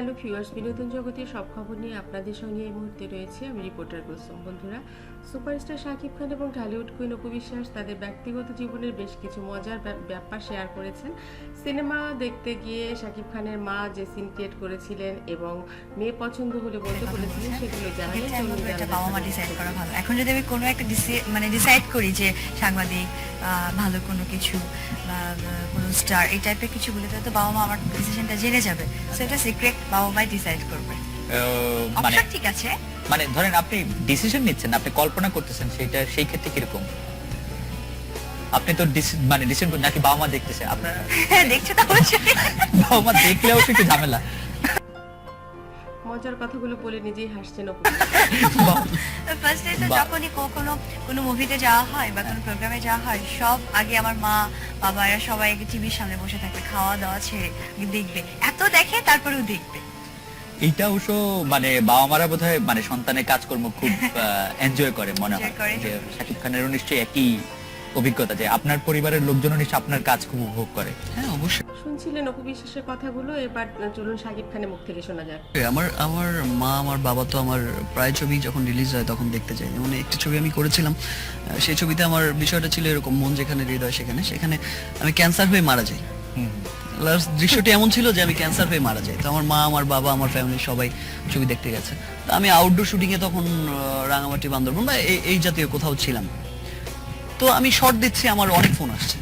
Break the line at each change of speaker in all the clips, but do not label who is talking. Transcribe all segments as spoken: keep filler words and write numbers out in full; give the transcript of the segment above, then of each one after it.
Hello viewers, বিনোদন জগতের সব খবর নিয়ে আপনাদের সঙ্গে এই মুহূর্তে রয়েছে আমি রিপোর্টার কুসুম। বন্ধুরা, সুপারস্টার শাকিব খান এবং ঢালিউড কুইন অপু বিশ্বাস তাদের ব্যক্তিগত জীবনের বেশ কিছু মজার ব্যাপার শেয়ার করেছেন। সিনেমা দেখতে গিয়ে শাকিব খানের মা যে সিন ক্রিয়েট করেছিলেন এবং মেয়ে পছন্দ হলে বলতে বলেছিলেন সেগুলো জানালেন।
বাবা মা ডিসাইড করা ভালো। এখন যদি আমি কোনো একটা মানে ডিসাইড করি যে সাংবাদিক ভালো কোনো কিছু বা কোনো স্টার এই টাইপের কিছু বলে, তো বাবা মা আমার ডিসিশনটা জেনে যাবে। সো এটা সিক্রেট, বাবা মাই ডিসাইড করবে। মানে ঠিক আছে,
মানে ধরেন আপনি ডিসিশন নিচ্ছেন, আপনি কল্পনা করতেছেন, সেটা সেই ক্ষেত্রে কিরকম? আপনি তো মানে ডিসিশন নাকি বাবা মা দেখতেছে? আপনারা
দেখছে তো অবশ্যই,
বাবা মা দেখলেও একটু ঝামেলা।
মজার কথাগুলো বলে নিজেই হাসছেন অপু।
ফার্স্ট ডে তো যখনই কোনো কোনো মুভিতে যাওয়া হয় বা কোনো প্রোগ্রামে যাওয়া হয়, সব আগে আমার মা বাবা এরা সবাই টিভির সামনে বসে থাকবে, খাওয়া দাওয়া ছেড়ে দেখবে, এত দেখে তারপরেও দেখবে।
এইটা অবশ্য মানে বাবা মারা বোধহয় মানে সন্তানের কাজকর্ম খুব এনজয় করে মনে হয়। যে শাকিব খানেরও নিশ্চয়ই একই অভিজ্ঞতা যে আপনার পরিবারের লোকজনও নিশ্চয়ই আপনার কাজ খুব উপভোগ করে।
হ্যাঁ অবশ্যই।
শুনছিলেন অপু বিশ্বাসের কথাগুলো, এবার চলুন শাকিব খানের মুখ থেকে শোনা যাক।
আমার আমার মা আমার বাবা তো আমার প্রায় ছবি যখন রিলিজ হয় তখন দেখতে যাই। যেমন একটি ছবি আমি করেছিলাম, সেই ছবিতে আমার বিষয়টা ছিল এরকম, মন যেখানে হৃদয় সেখানে, সেখানে আমি ক্যান্সার হয়ে মারা যাই। লাস্ট দৃশ্যটি এমন ছিল যে আমি ক্যান্সার হয়ে মারা যাই। তো আমার মা আমার বাবা আমার ফ্যামিলির সবাই ছবি দেখতে গেছে। তো আমি আউটডোর শুটিংয়ে তখন রাঙামাটি বান্দরবন বা এই জাতীয় কোথাও ছিলাম। তো আমি শর্ট দিচ্ছি, আমার অনেক ফোন আসছে।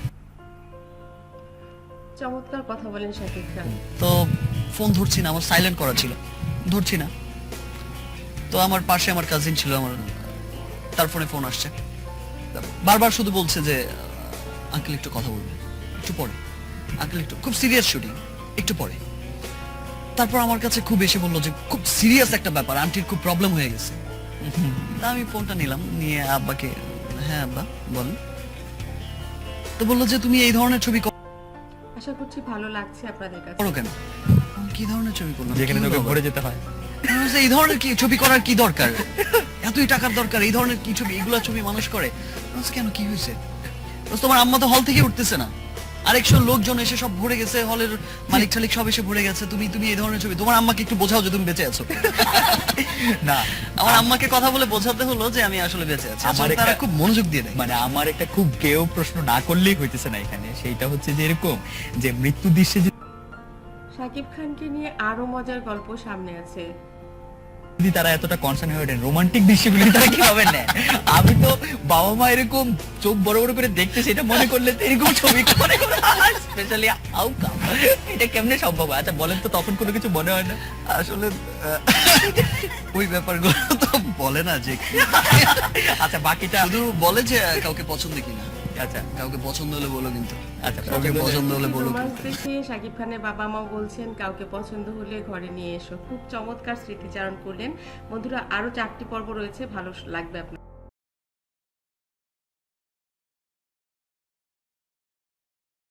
চমৎকার কথা বলেন শাকিব খান।
তো ফোন ধরছি না, আমার সাইলেন্ট করা ছিল, ধরছি না। তো আমার পাশে আমার কাজিন ছিল, আমার তার ফোনে ফোন আসছে, বারবার শুধু বলছে যে আঙ্কেল একটু কথা বলবে, একটু পরে আঙ্কেল, একটু খুব সিরিয়াস শুটিং, একটু পরে। তারপর আমার কাছে খুব এসে বললো যে খুব সিরিয়াস একটা ব্যাপার, আন্টির খুব প্রবলেম হয়ে গেছে। তা আমি ফোনটা নিলাম, নিয়ে আব্বাকে, হ্যাঁ আব্বা বলেন। তো বললো যে তুমি এই ধরনের ছবি
আশা করছি ভালো লাগছে আপনাদের কাছে।
করো কেন? কি ধরনের ছবি করলাম
যেখানে তোকে ভরে যেতে হয়?
এই ধরনের কি ছবি করার কি দরকার? এতই টাকার দরকার এই ধরনের কি ছবি? এগুলা ছবি মানুষ করে কেন? কি হয়েছে? তোমার আম্মা তো হল থেকে উঠতেছে না, আরেকশো লোকজন এসে সব ভরে গেছে, হলের মালিক টালিক সব এসে ভরে গেছে, তুমি তুমি এই ধরনের ছবি। তোমার আম্মাকে একটু বোঝাও যে তুমি বেঁচে আছো। না, আমার আম্মাকে কথা বলে বোঝাতে হলো যে আমি আসলে বেঁচে আছি। আমার তারা খুব মনোযোগ দিয়ে দেয়।
মানে আমার একটা খুব কেউ প্রশ্ন না করলেই হইতেছে না এখানে, সেইটা হচ্ছে যে এরকম যে মৃত্যু দৃশ্যে
শাকিব খানকে নিয়ে আরো মজার গল্প সামনে আছে।
যদি তারা এতটা কনসার্ন হয়ে ওঠেন, রোমান্টিক দৃশ্যগুলি তারা কিভাবে নেয়? আমি তো বাবা মা এরকম চোখ বড় বড় করে দেখতে, সেটা মনে করলে তো এরকম ছবি করে স্পেশালি আউটকাম, এটা কেমনে সম্ভব? আচ্ছা বলেন তো, তখন কোনো কিছু মনে হয় না?
আসলে ওই ব্যাপারগুলো তো বলে না যে
আচ্ছা বাকিটা
শুধু বলে যে কাউকে পছন্দ কিনা।
আচ্ছা
কাউকে পছন্দ হলে বলো, কিন্তু
আচ্ছা
কাউকে পছন্দ হলে বলো।
দেখে শাকিব খানের বাবা মা বলছেন কাউকে পছন্দ হলে ঘরে নিয়ে এসো। খুব চমৎকার স্মৃতিচারণ করলেন বন্ধুরা। আরো চারটি পর্ব রয়েছে, ভালো লাগবে আপনার।